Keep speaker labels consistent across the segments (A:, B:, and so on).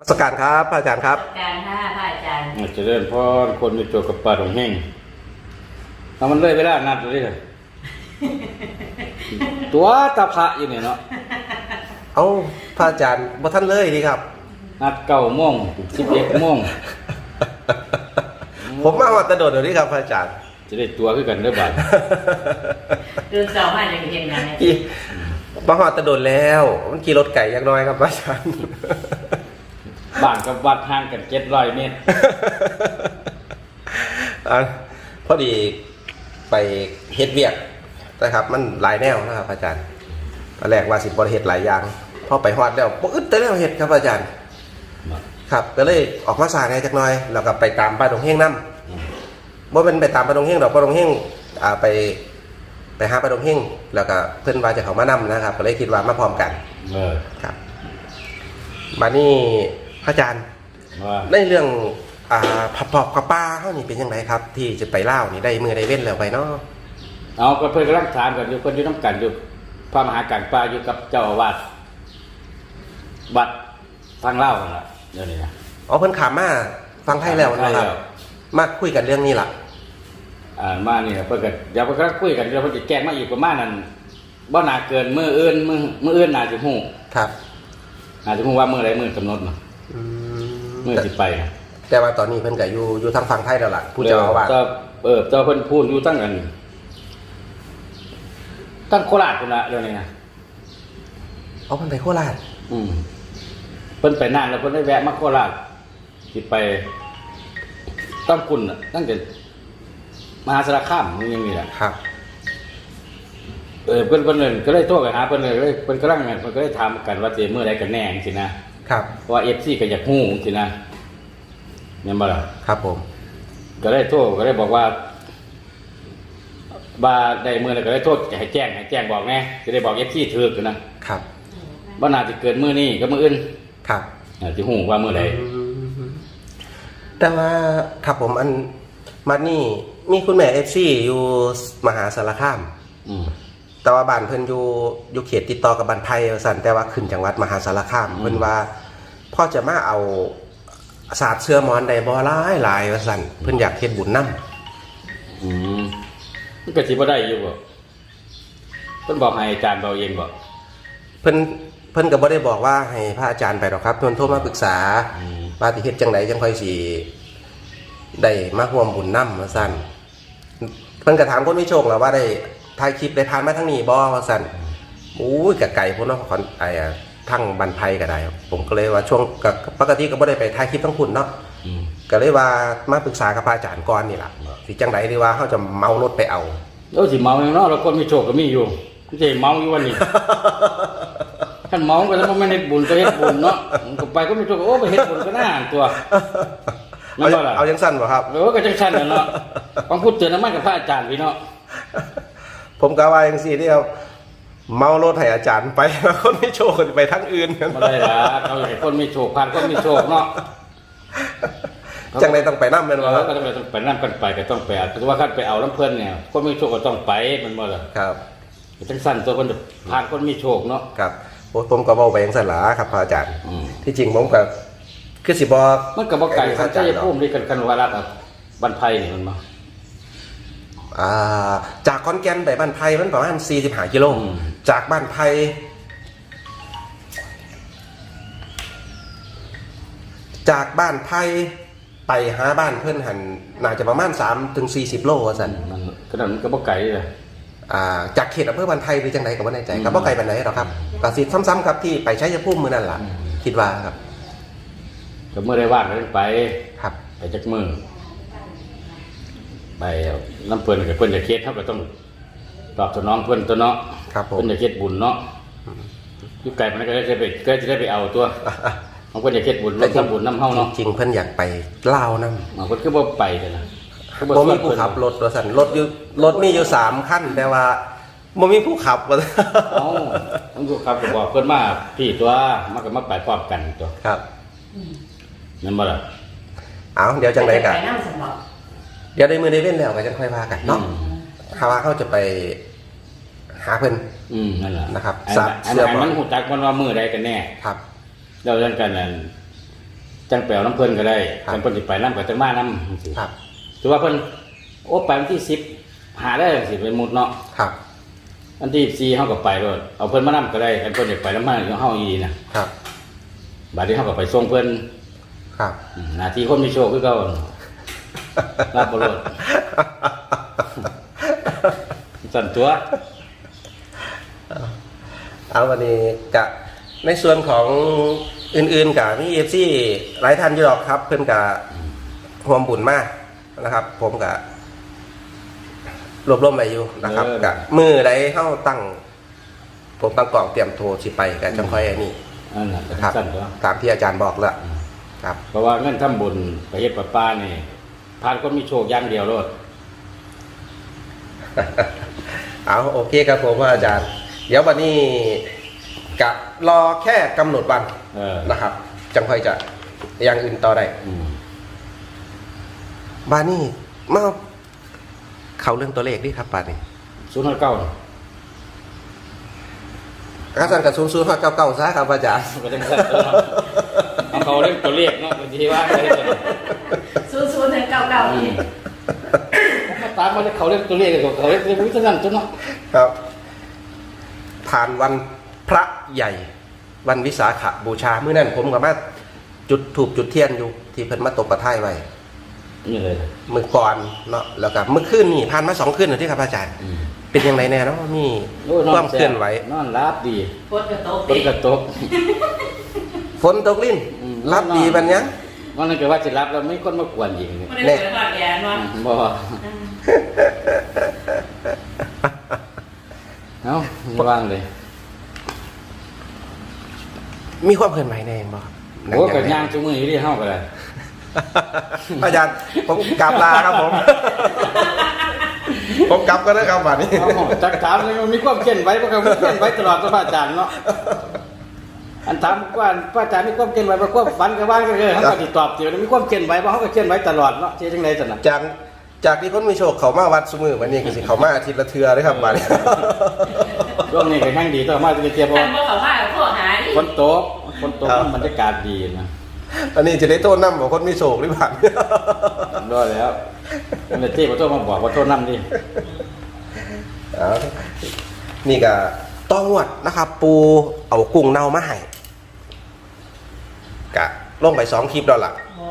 A: สการครับพระอาจารย์ครับ
B: การค่ะพระอาจารย์
C: จะเริ่มพ่อคนมีตัวกับปลาตรงแห้งเอามันเลยเวลานัดเลยตัวตาพระอยู่เนี่ยเนาะ
A: เอาพระอาจารย์บ่ท่านเลยดีครับ
C: นัด9 โมง 11 โมง
A: ผมมาวัดตะโดดเดี๋ยวนี้ครับพระอาจารย์
C: จะได้ตัวขึ้นกันด้วยบัด
B: ตื่นเช้ามาจะเห็นงานไหม
A: มาวัดตะโดดแล้วมันขี่รถไก่ยังน้อยครับพระอาจารย์
C: บ้านกับวัดห่างกัน700 เมตร
A: พอดีไปเฮ็ดเวียกนะครับมันหลายแนวนะครับอาจารย์ตอนแรกว่าสิบ่ได้เฮ็ดหลายอย่างพอไปฮอดแล้วบ่อึดแต่แล้วเฮ็ดครับอาจารย์ครับก็เลยออกมาสร้างให้จักหน่อยแล้วก็ไปตามป้าดงเฮงนำบ่เป็นไปตามป้าดงเฮงดอกป้าดงเฮงไปหาป้าดงเฮงแล้วก็เพิ่นว่าจะเข้ามานำนะครับก็เลยคิดว่ามาพร้อมกันครับบัดนี้พระอาจารย์ในเรื่องผับปอบกับป้าเฮานี่เป็นจังไดครับที่จะไปลาวนี่ได้มื้อได้เว้นแล้วไปเนาะ
C: เอาก็เพิ่นกำลังถามกันอยู่เพิ่นอยู่นำกันอยู่พระมหาการป้าอยู่กับเจ้าอาวาสวัดทางลาวนั่นล่ะเดี๋ยวนี้นะ
A: อ๋อเพิ่นขามมาฟังไทยแล้วนะครับมาคุยกันเรื่องนี้ล่ะ
C: มานี่เพิ่นก็เดี๋ยวเพิ่นก็คุยกันเดี๋ยวเพิ่นสิแจ้งมาอีกประมาณนั้นบ่น่าเกินมื้ออื่นน่าสิฮู้
A: ครับ
C: น่าสิฮู้ว่ามื้อใดมื้อกำหนดนะมื้อสิไปนะ
A: แต่ว่าตอนนี้เพิ่นก็อยู่ทางฝั่งไทยแล้วล่ะผู้เจ้าอาวาส
C: เจ้าเพิ่นพูดอยู่ตั้งกันตั้งโคราชพุ่นละเดี๋ยวนี้นะ
A: เพิ่นไปโคราช
C: เพิ่นไปนานแล้วเพิ่นได้แวะมาโคราชสิไปตั้งกุ่นตั้งแต่มหาสารคามมันยังมีแหละ
A: ครับ
C: เพิ่นก็เลยโทรไปหาเพิ่นเลยเพิ่นกำลังเพิ่นก็ได้ถามกันว่าจะมื้อใดกันแน่จังซี่นะครับเพราะว่า FC ก็อยากฮู้จังซี่นะแม่นบ่ล่ะ
A: ครับผม
C: ก็ได้โทรก็ได้บอกว่าได้มื้อแล้วก็ได้โทรให้แจ้งบอกแน่จะได้บอก FC ถูกนะครับบ่น่าจะเกินมื้อนี้ก็มื้ออื่น
A: ครับ
C: สิฮู้ว่ามื้อใด
A: แต่ว่าครับผมมานี่มีคุณแม่ FC อยู่มหาสารคามแต่ว่าบ้านเพิ่นอยู่เขตติดต่อกับบ้านไผ่สั่นแต่ว่าขึ้นจังหวัดมหาสารคามเพิ่นว่าพ่อจะมาเอาศาสตร์เสื้อหมอนได้บ่หลายว่าสั่นเพิ่นอยากเฮ็ดบุญนำ
C: มันก็สิบ่ได้อยู่บ่เพิ่นบอกให้อาจารย์เบาเองบ่
A: เพิ่นก็บ่ได้บอกว่าให้พระอาจารย์ไปหรอกครับเพิ่นโทรมาปรึกษาว่าสิเฮ็ดจังไดจังค่อยสิได้มาร่วมบุญนำว่าซั่นเพิ่นก็ถามคนมีโชคแล้วว่าได้ถ่ายคลิปได้ผ่านมาทางนี้บ่ว่าซั่นก็ไกลพุ่นเนาะขอนทั้งบ้านไผ่ก็ได้ผมก็เลยว่าช่วงปกติก็บ่ได้ไปถ่ายคลิปทั้งพุ่นเนาะก็เลยว่ามาปรึกษากับพระอาจารย์ก่อนนี่ล่ะสิจังได๋หรือว่าเฮาจะเมารถไปเอา
C: สิเมาเนาะแล้วคนมีโชคก็มีอยู่สิเมาอยู่วันนี้คันเมาก็แล้วมันไม่ได้บุญก็เฮ็ดบุญเนาะก็ไปก็มีโชคไปเฮ็ดบุญก็น่าตัว
A: เอาจังซั่นบ่ครับ
C: ก็จังซั่นเนาะต้องพูดเตือนมันกับพระอาจารย์พี่เนาะ
A: ผมก็ว่าจังซี่เด้อเมารถให้อาจารย์ไปคนมีโชคไปทางอื่น
C: บ่ได้ล่ะเขาให้คนมีโชคผ่านคนมีโชคเนาะ
A: จังได๋ต้องไปนำแม่นบ่
C: ก็ต้องไปนำกันไปก็ต้องไปเพราะว่าคันไปเอาน้ำเพิ่นเนี่ยคนมีโชคก็ต้องไปมันบ่ล่ะ
A: ครับ
C: จังซั่นตัวคนผ่านคนมีโชคเนาะ
A: ครับผมก็เว้าไปจังซั่นล่ะครับพระอาจารย์ที่จริงผมก็คือสิบ่
C: มันก็บ่ไกลครับชัยภูมิด้วยกันว่ารัฐบ้านไผ่นี่มันบ่
A: จากขอนแก่นไปบ้านไผ่มันประมาณ45 กิโลจากบ้านไผ่ไปหาบ้านเพิ่นหันน่าจะประมาณ3-40 โลว่าซั่น
C: มันก็นั้นก็บ่ไกลเลย
A: จากเขตอำเภอบ้านไผ่หรือจังไดก็บ่แน่ใจก็บ่ไกลปานใดหรอกครับก็สิซ้ำๆครับที่ไปชัยภูมิมื้อนั้นล่ะคิดว่าครับ
C: ก็เมื่อได้ว่างกันไป
A: ครับ
C: ไปจักมื้อไปน้ำเพิ่นกับเพิ่นจะเฮ็ดเฮาก็ต้องตอบสนองเพิ่นตัวเนาะเพิ่นจะเฮ็ดบุญเนาะอยู่ไกลมันก็จะได้ไปเอาตัวของเพิ่นจะเฮ็ดบุญร่วมทำบุญนำเฮาเนาะ
A: จริงเพิ่นอยากไปลาวนำ
C: เพิ่นคือบ่ไปซั่นน่ะ
A: บ่มีผู้ขับรถว่าซั่นรถมีอยู่3คันแต่ว่าบ่มีผู้ขับว่า
C: ต้องผู้ขับก็บอกเพิ่นมาพี่ตัวมันก็มาไปพร้อมกันตัว
A: ครับ
C: นั่นบ่ล่ะ
A: เดี๋ยวจังได๋ก็เดี๋ยวได้มื้อได้เว้นแล้วก็จังค่อยว่ากันเนาะถ้าว่าเขาจะไปหาเพิ่น
C: นั่นแหละ
A: นะครับ
C: เสื้อมันฮู้จักมันว่ามื้อใดกันแน่
A: ครับ
C: แล้วเรื่องกันนั้นจังแปลวน้ำเพิ่นก็ได้
A: ครับ
C: จังเพิ่นสิไปน้ำก็จังมาน้ำจังซี่
A: ครับ
C: ถือว่าเพิ่นโอ้ไปวันที่10หาได้สิเป็นมุดเนาะ
A: ครับ
C: วันที่14เฮาก็ไปโลดเอาเพิ่นมานํก็ได้คันเพิ่นอยากไปนำมาเฮาอีนะครับ บัดนี้เฮาก็ไปส่งเพิ่น
A: ครับ
C: หน้าที่คนมีโชคคือเก่ารับบ่โลดสั่นตัว
A: เอาวันนี้กะในส่วนของอื่นๆกับมีเอฟซีหลายท่านอยู่หรอกครับ เพื่อนกะห่วมบุญมากนะครับ ผมกะรวบรวมไปอยู่นะครับกะมือใดเข้าตั้ง ผมตั้งกล่องเตรียมโทรสิไปกับจังค่อยอันนี้
C: อันนั้น
A: นะครับ
C: สั่นตัว
A: ตามที่อาจารย์บอกแล้วครับ
C: เพราะว่าเงินทำบุญไปเฮ็ดประปานี่ผ่านคนมีโชคอย่างเดียวโลด
A: เอาโอเคครับผมอาจารย์ เดี๋ยววันนี้กะรอแค่กำหนดวัน นะครับ จังค่อยจะอย่างอื่นต่อได้ บ้านนี้มาเขาเรื่องตัวเลขดิครับบ้านนี้
C: 059
A: อาจารย์กับซูนย์เก่าซะครับอาจารย์
C: ก็จังสั่นตัวเนาะเอาเขาเล่นตัวเลขเนาะบางทีว่าได้ตัว
B: ศูนย์ถึงเก่าๆนี่
C: ผมตามมาเขาเล่นตัวเลขกับเขาเล่นวิธีนั้นตัวเนาะ
A: ครับ ผ่านวันพระใหญ่ วันวิสาขบูชาเมื่อนั้นผมกับมาจุดถูกจุดเทียนอยู่ ที่เพิ่นมาตกประท้ายไว้
C: นี่เลย
A: มือก่อนเนาะแล้วก็เมื่อคืนนี่ผ่านมา2 คืนแล้วที่ครับอาจารย์ เป็นยังไงแน่เนาะมี
C: โอ้ย
A: ความเคลื่อนไหว
C: นอนรับดี
B: โคตรกระโตก
C: ต้นกระตก
A: ฝนตกลิ้นรับดีบันยัง
C: วันนั้นก็ว่าจะรับแล้วไม่คนมากวนยิง
B: ไม่ได้เกิดความแย่เนาะ
C: บ่เอ้าระวังเลย
A: มีความเคลื่อนไหวแน่บ่ครับ
C: โอ้กับย่างจุมืออยู่ที่เฮาก็ได้
A: อาจารย์ผมกลับลาครับผม ผมกลับก็ได้ครับวันนี้
C: เอาจักถามเลยมันมีความเคลื่อนไหวบ่ครับมีเคลื่อนไหวตลอดตัวพระอาจารย์เนาะอันถามว่าพระอาจารย์มีความเคลื่อนไหวบ่ความฝันก็ว่ากันเลยเฮาก็สิตอบเดี๋ยวมีความเคลื่อนไหวบ่เฮาก็เคลื่อนไหวตลอดเนาะสิจังได๋ซั่นน่ะ
A: จากที่คนมีโชคเขามาวัดซุมือวันนี้ก็สิเขามาอาทิตย์ละเทื่อเลยครับวันนี้
C: ช่วงนี้ก็แห่งดีต่อมาจะเทียบเพราะ
B: ท่าน
C: ว่า
B: บ่เขาว่าโทษหาดิ
C: ฝนตกบรรยากาศดีนะ
A: อันนี้จะได้โต้นน้ำของคนมีโชคหรือเปล่า
C: รอดแล้วมันจะเจ๊ขอโทษมาบอกว่าโทษน้ำดิ
A: เอานี่ก็ต้องวดนะครับ ปูเอากุ้งเน่ามาให้กะลงไป2 คลิปแล้วล่ะ
B: อ๋อ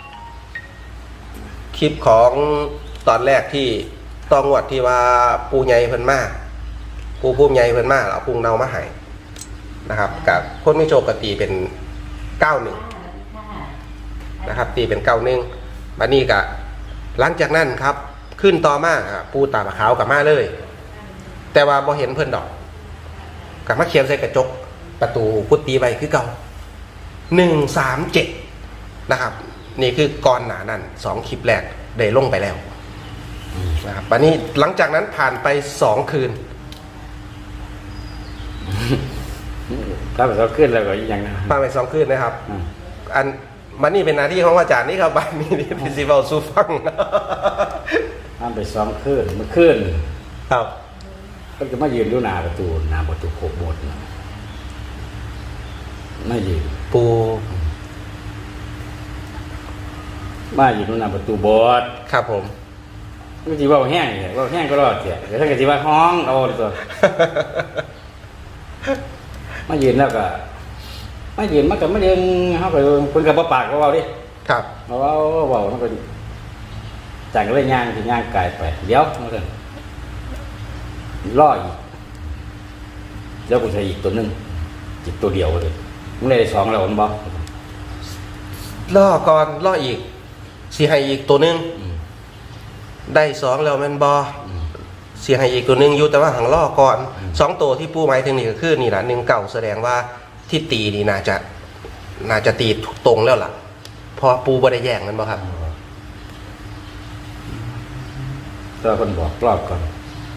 A: คลิปของตอนแรกที่ต้องวดที่ว่าปูใหญ่เพิ่นมาปูพุ่มใหญ่เพิ่นมาเอากุ้งเน่ามาให้นะครับกับคนไม่โชคกตีเป็น91นะครับตีเป็น91บัดนี้ก็หลังจากนั้นครับ ขึ้นต่อมาปูตาขาวกับมาเลย แต่ว่าบ่เห็นเพิ่นดอกกับมาเขียนใส่กระจกประตูพุทธีไว้คือเก่า137นะครับ นี่คือก่อนหน้านั้น2 คลิปแรกได้ลงไปแล้วนะครับวันนี้หลังจากนั้นผ่านไป2 คืน
C: ถ้าเราขึ้นแล้วก็ยังนะ
A: ผ่านไป2 คืนนะครับ อันมันนี่เป็นหน้าที่ของอาจารย์นี่ครับบ้านนี้พิซิเวลซูฟัง
C: ห้ามไปซ้อมขึ้นมันขึ้น
A: ครับ
C: ก็จะมายืนดูหน้าประตูโคบโบดนะไม่ยืน
A: ปู
C: มายืนดูหน้าประตูโบด
A: ครับผม
C: ก็จีว่าแห้งเนี่ยว่าแห้งก็รอดเสียแต่ถ้าเกิดจีว่าห้องเอาเลยตัวมายืนแล้วก็มายืนมากับมาเดินเขาไปคนกับปากก็เบาดิ
A: ครับ
C: เบาเขาไปจังก็เลยย่างที่ย่างไกลไปเดี๋ยวมาเลยล่ออีกแล้วกูใช้อีกตัวนึงอีกตัวเดียวเลยมึงได้2แล้วมันบอก
A: ล่อก่อนล่ออีกสีให้อีกตัวหนึงได้2แล้วแมันบอสีให้อีกตัวหนึงอยู่แต่ว่าหังล่อก่อน2 ตัวที่ปูหมายถึงนี่ก็คือนี่แหละ19แสดงว่าที่ตีนี่น่าจะตีตรงแล้วล่ะเพอปูบ่ได้แย่งมันบ่ครับ
C: ตัวคนบอกรอบก่อน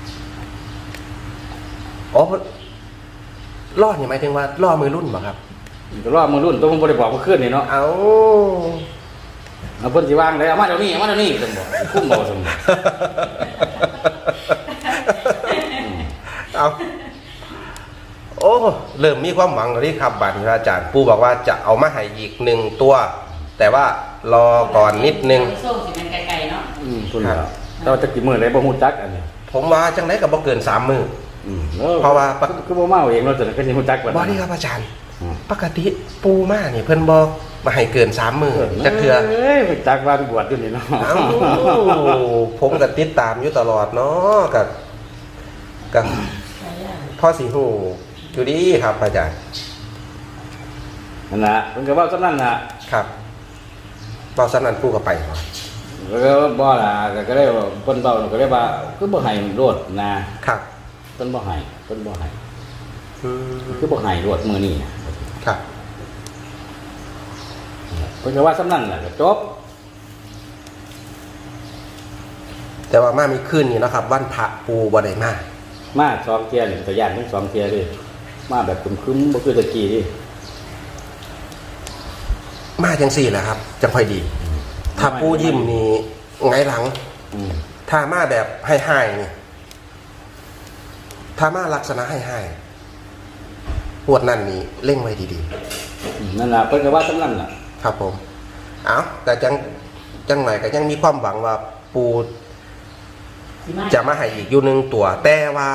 A: อ๋อล่อนี่หมายถึงว่าล่อมือรุ่นบ่ครับ
C: รอบมือรุ่นตัวมึงบริบอกว่าขึ้นนี่เนาะ
A: เอา
C: เอาเพิ่นสิวางเลยเอามาเดี๋ยวนี้สมบอกคุ้มบ่สมบอก
A: เอาโอ้เริ่มมีความหวังแล้วนี่ครับบัดนี้อาจารย์ปูบอกว่าจะเอามาให้อีก1 ตัวแต่ว่ารอก่อนนิดนึง
B: ส้มสิมันไกลๆเนาะ
C: คุณเหรอเราจะกี่มื้อได้บ่ฮู้จักอันนี้
A: ผมว่าจังไดก็บ่เกิน3 มื้อ เพ
C: เพ
A: ราะว่า
C: คือบ่มาเอาเองเราจะก็สิฮู้จักกว่า
A: บ่นี่ครับอาจารย์ ปกติปูมานี่เพิ่นบ่มาให้เกิน3 มื้อจักเทื่อ
C: เอ้ยจักว่าไปบวชอยู่นี่เนาะ
A: เอ้าผมก็ติดตามอยู่ตลอดเนาะก็พ่อสิฮู้อยู่ดีครับอาจารย์
C: นั่นน่ะเพิ่นก็เว้าซั่นนั่นน่ะ
A: ครับเว้าซั่นนั้นปูก็ไปบ่
C: แล้วก็บ่ล่ะก็ได้ว่าเพิ่นเว้าก็ได้ว่าคือบ่ให้โลดนะครับ เพิ่นบ่ให้
A: อืม
C: คือบ่ให้โลดมื้อนี้นะครับ เพิ่นก็ว่าซั่นนั่นแหละก็จบ
A: แต่ว่ามามีคืนนี้เนาะครับวันพระปูบ่ได้มา
C: มา2เที่ยนี่ก็ย่านทั้ง2เที่ยเลยมาแบบคึมๆบ่คือตะกี้นี่
A: มาจังซี่แหละครับ จังค่อยดี ถ้าปูยิ้มนี่ไงหลัง
C: อืม
A: ถ้ามาแบบให้ๆนี่ถ้ามาลักษณะให้ๆปวดนั่นนี่เร่งไว้ดี
C: นั่นล่ะเพิ่นก็ว่าซั่นนั่นล่ะ
A: ๆครับผมเอาแต่จังไหนก็ยังมีความหวังว่าปูจะมาให้อีกอยู่หนึ่งตัว แต่ว่า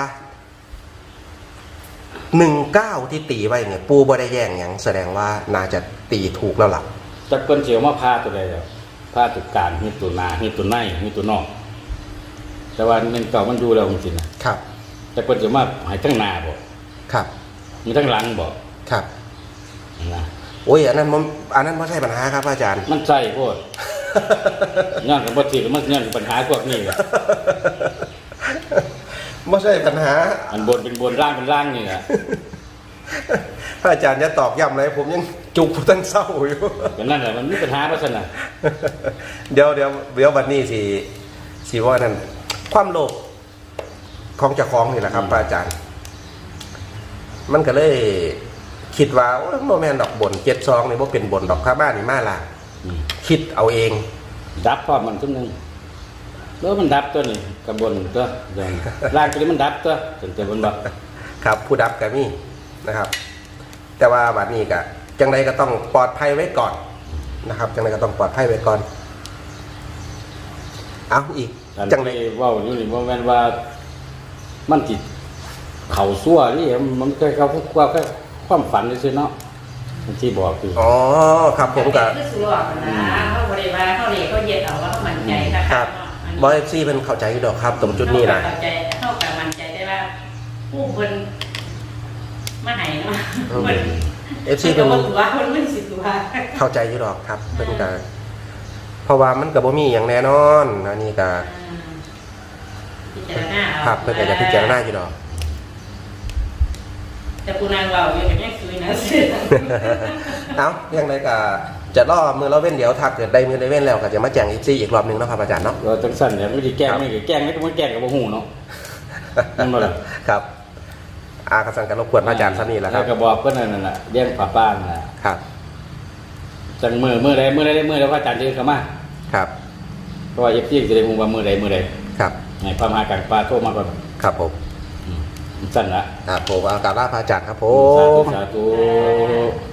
A: 19ที่ตีไว้เนี่ย ปูบ่ได้แย่งหยังแสดงว่าน่าจะตีถูกแล้วล่ะ
C: จักเพิ่นสิเอามาพาตัวใดแล้วพาตัวกลางมีตัวหน้ามีตัวในมีตัวนอก แต่ว่ามันเก่ามันอยู่แล้วจริงๆนะครับ จักเพิ่นสิมาให้ทั้งหน้าบ่
A: ครับ
C: มีทั้งหลังบ่
A: ครับ
C: นะ
A: โอ้ยอันนั้นไม่ใช่ปัญหาครับอาจารย์
C: มันใส่โพด ย้อนกับบ่ถือมันย้อนปัญหาพวกนี้แหละ
A: ไม่ใช่ปัญหา
C: อันบนเป็นบนล่างเป็นล่างนี่แหละ
A: พระอาจารย์จะตอกย้ำอะไรผมยังจุกตั้งเศร้าอยู่
C: ก็นั่นแหละมันมีปัญหาเพราะฉะนั้น
A: เดี๋ยววันนี้สิว่านั่นความโลภของเจ้าของนี่แหละครับพระอาจารย์ มันก็เลยคิดว่าโอ้ยโมแมนดอกบน72นี่บ่เป็นบนดอกข้าบ้านนี่มาละคิดเอาเอง
C: ดับพร้อมมันทุกนึงแล้วมันดับตัวนี่กับบนตัวอย่างล่างตัวนี้มันดับตัวถึงจะบนบ่
A: ครับ ผู้ดับก็มีนะครับ แต่ว่าวันนี้ก็จังใดก็ต้องปลอดภัยไว้ก่อนนะครับจังใดก็ต้องปลอดภัยไว้ก่อนเอาอีก
C: อัน
A: จังใด
C: ที่เว้าอยู่นี่บ่แม่นว่ามันสิเข้าซั่วนี่มันเคยเข้าความฝันซื่อๆเนาะมันที่บอกคือ
A: อ๋อครับผมกับ
B: คือสุรอกนะเขาบริวารเขาเรียกเขาเย็ดเอาว่าเขามั่นใจค่ะ
A: ครับบอยซี่เป็นเข้าใจอยู่ดอกครับตรงจุดนี้นะ
B: เข้าใจเข้ากับมั่นใจได้ว่าผู้คนมาไหนเนาะ
A: เอฟซีเป็น
B: ตัวคนไม่สิตัว
A: เข้าใจอยู่ดอกครับเป็นการเพราะว่ามันกับบ่มีอย่างแน่นอนอันนี้ก็
B: พิจารณา
A: ครับเพื่อนก็จะพิจารณาอยู่ดอก
B: แต่กูนางเราอยู่อย่างนี้คุยนะ
A: เอาอย่างไรก็จะล่อมือเราเว้นเดี๋ยวถ้าเกิดได้มือได้เว้นแล้วก็จะมาแจ้งเอฟซีอีกรอบหนึงเนาะครับอาจารย์เนาะ
C: เราจังซั่นเนี่ยไม่ได้แกล้งนี่ก็แกล้งไม่ต้องแกล้งก็บ่ฮู้เนาะนั่นบ่ล่ะ
A: ครับอากระสังกันรบกวนพระอาจารย์ท่านนี้แหละค
C: แล้
A: รั
C: ว
A: บ
C: ก็บอกเพิ่นนั่นน่ะเลี้ยงป้าป้าน่ะ
A: ครับ
C: จังมื้อใดแล้วพระอาจารย์เดินเข้ามา
A: ครับ
C: เพราะว่าพี่จะได้ฮู้ว่ามื้อใด
A: ครับ
C: ให้พระมหากลางป่าโทรมาก่อน
A: ครับผม
C: สั้นละ
A: ครับผมเอากราบลาพระอาจารย์ครับผ
C: สาม ธุสาธุ